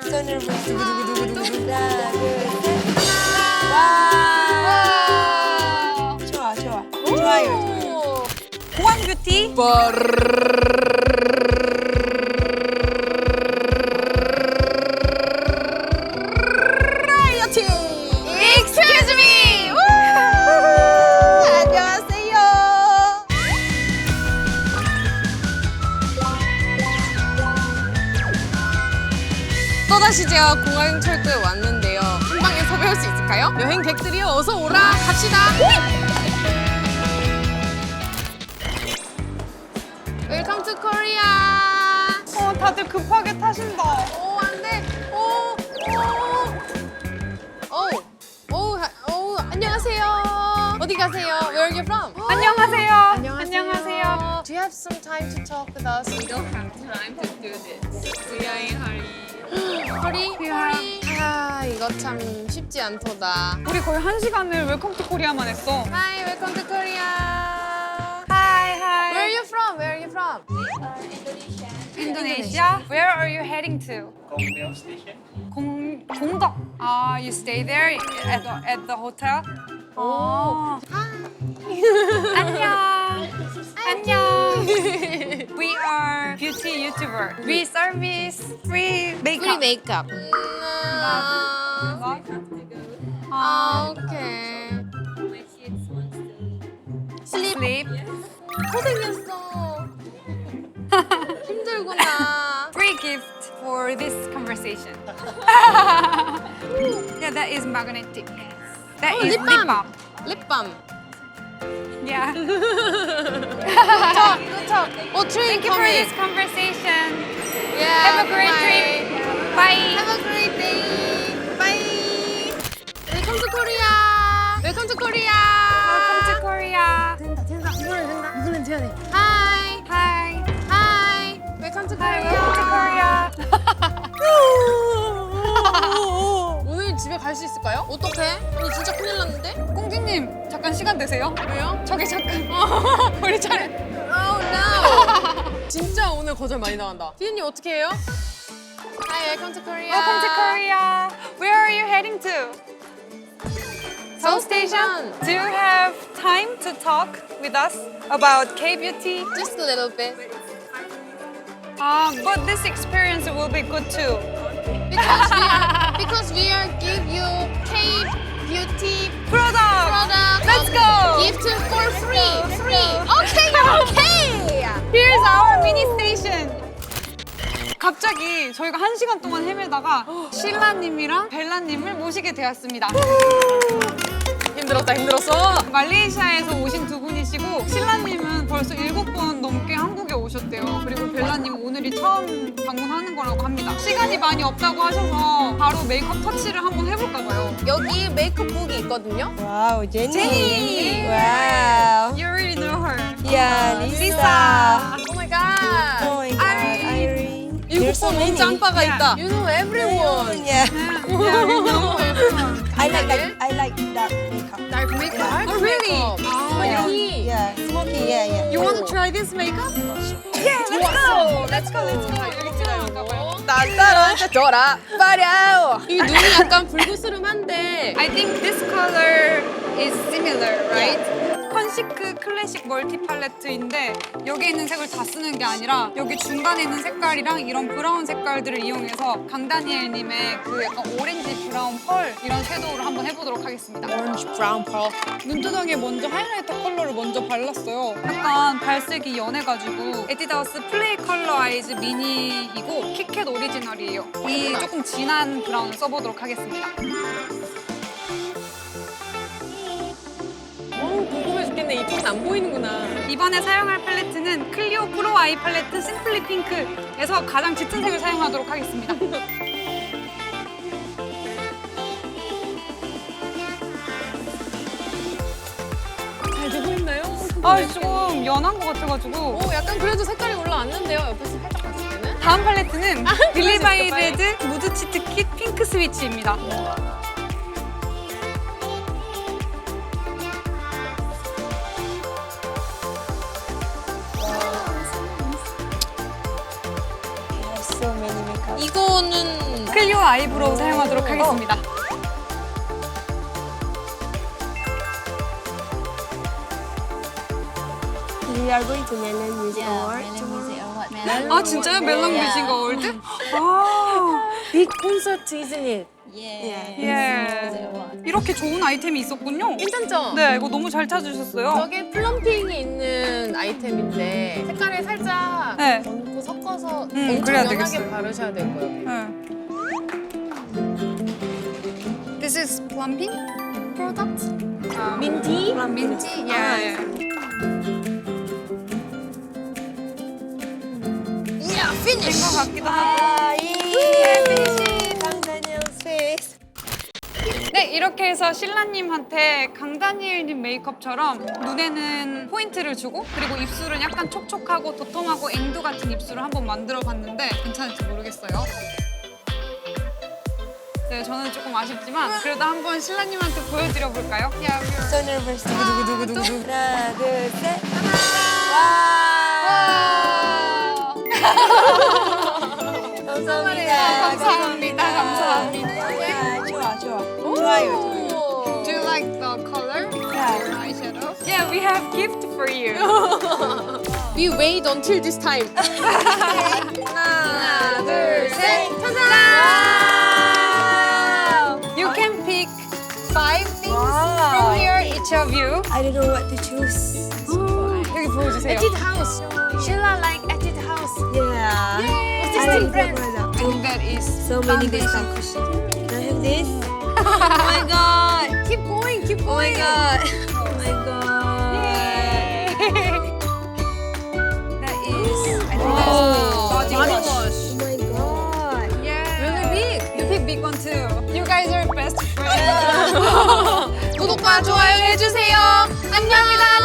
손을 보여주고 두구두구두구두구. 하나, 둘, 셋. 와. 좋아, 좋아. 좋아요. 보안 뷰티. 라이어티. Excuse me. 안녕하세요. 또다시 제가 공항철도에 왔는데요. 한 방에 섭외할 수 있을까요? 여행객들이요, 어서 오라. 갑시다. 웰컴 투 코리아. 다들 급하게 타신다. 오, 안 돼. 오, 안녕하세요. 어디 가세요? Where are you from? 안녕하세요. 안녕하세요. Do you have some time to talk with us? We don't have time to do this. We are in hurry. 허리? 아, 이거 참 쉽지 않도다. 우리 거의 1시간을 웰컴 투 코리아만 했어. Hi, welcome to Korea. Hi, hi. Where are you from? Where are you from? Indonesia. Where are you heading to? Gongdaeum Station. 공덕. You stay there at the hotel? 오. 안녕. 안녕. We are beauty YouTuber. We service free Free makeup. makeup. 오케이. My kids want to Sleep. Sleep. 고생했어. 힘들구나. Free gift for this conversation. Yeah, that is magnetic. That is lip lip balm. balm. 립밤. Yeah. 오, 트레인 Thank you for coming. this conversation. Yeah, Have a great bye. trip. Bye. Have a great day. Bye. Welcome to Korea. Welcome to Korea. Welcome to Korea. 된다. 이번엔 돼야 돼. Hi. Hi. Hi. Welcome to Hi. Korea. Welcome to Korea. 오늘 집에 갈 수 있을까요? 어떡해? 오늘 진짜 큰일 났는데? 공주님, 잠깐 시간 되세요? 왜요? 저기 잠깐. 우리 차례. Oh no. 진짜 오늘 거절 많이 나간다. 피디님 어떻게 해요? Hi, welcome to Korea. Welcome to Korea. Where are you heading to? Seoul Station. Do you have time to talk with us about K-beauty? Just a little bit. But this experience will be good too. Because we are give you K beauty Product. product. Let's go. Gift for free. Okay. Here's our mini station. 갑자기 저희가 1시간 동안 헤매다가 신라님이랑 벨라님을 모시게 되었습니다. 힘들었어. 말레이시아에서 오신 두 분이시고 신라님은 벌써 7번 넘게 한국에 오셨대요. 그리고 벨라님은 오늘이 처음 방문하는 거라고 합니다. 시간이 많이 없다고 하셔서 바로 메이크업 터치를 한번 해볼까 봐요. 여기 메이크업북이 있거든요. 와우, 제니. 제니. 와우. You already know her. 야, 리사. 리사. Oh my god. Oh my god, Irene. 일곱 so 번 many. 온 짬바가 Yeah. 있다. You know everyone. Yeah. Yeah, we know everyone. I like dark makeup. Dark makeup. Oh, really? Yeah. 여기. Yeah, smoky. Yeah. You want to try this makeup? Yeah, let's go. 여기 들어갈까 봐요. 떨어져라 빠려. 이 눈이 약간 불그스름한데. I think this color is similar, right? 컨시크 클래식 멀티 팔레트인데 여기 있는 색을 다 쓰는 게 아니라 여기 중간에 있는 색깔이랑 이런 브라운 색깔들을 이용해서 강다니엘님의 그 약간 오렌지 브라운 펄 이런 섀도우를 한번 해보도록 하겠습니다. Orange brown pearl. 눈두덩이에 먼저 하이라이터 컬러를 먼저 발랐어요. 약간 발색이 연해가지고 에뛰드하우스 플레이 컬러 아이즈 미니이고 키캣 오리지널이에요. 이 조금 진한 브라운을 써보도록 하겠습니다. 궁금해 죽겠네. 이쪽은 안 보이는구나. 이번에 사용할 팔레트는 클리오 프로 아이 팔레트 심플리 핑크에서 가장 짙은 색을 사용하도록 하겠습니다. 잘 되고 있나요? 좀 연한 것 같아가지고 오, 약간 그래도 색깔이 올라왔는데요. 옆에서 살짝 봤을 때는. 다음 팔레트는 빌리바이 그러셨어요, 레드 무드 치트 킷 핑크 스위치입니다. So many makeup. 이거는 클리오 아이브로우 사용하도록 하겠습니다. We are going to Melon Music Award. 아 진짜요? 멜론 뮤직 어워드? 아, Big concert, isn't it? 예. 이렇게 좋은 아이템이 있었군요. 괜찮죠? 네, 이거 너무 잘 찾으셨어요. 저게 플럼핑이 있는 아이템인데 색깔을 살짝 네. 얹고 섞어서 그래야 엄청 연하게 되겠어요. 바르셔야 될 거예요. 네. This is plumping product. 민티? 민티? 예. 된 것 같기도 하고. 아, 예. 강다니엘 face. 네, 이렇게 해서 신라님한테 강다니엘님 메이크업처럼 눈에는 포인트를 주고 그리고 입술은 약간 촉촉하고 도톰하고 앵두 같은 입술을 한번 만들어봤는데 괜찮을지 모르겠어요. 네, 저는 조금 아쉽지만 그래도 한번 신라님한테 보여드려 볼까요? So nervous. 두구두구두구두구. 하나, 둘, 셋. 와. 감사합니다. 감사합니다. 좋아, 좋아. 좋아요. Do you like the color? Yeah. Eyeshadow? Yeah, we have gift for you. We wait until this time. 하나, 둘, 셋. You can pick 5 things Wow. from here, each of you. I don't know what to choose. 여기 보여주세요. Etude House. Sheila like Etude House. Yeah. What's I this like different? that. I think that is So many good foundation stuff. cushion. Can I have this? Oh my god. Keep going, keep Oh my going. god. Oh my god. That is, I think Oh, that's body body wash. wash. Oh my god. Yeah. Really big. You pick big one too. You guys are best friends. 구독과 좋아요 해주세요. 안녕.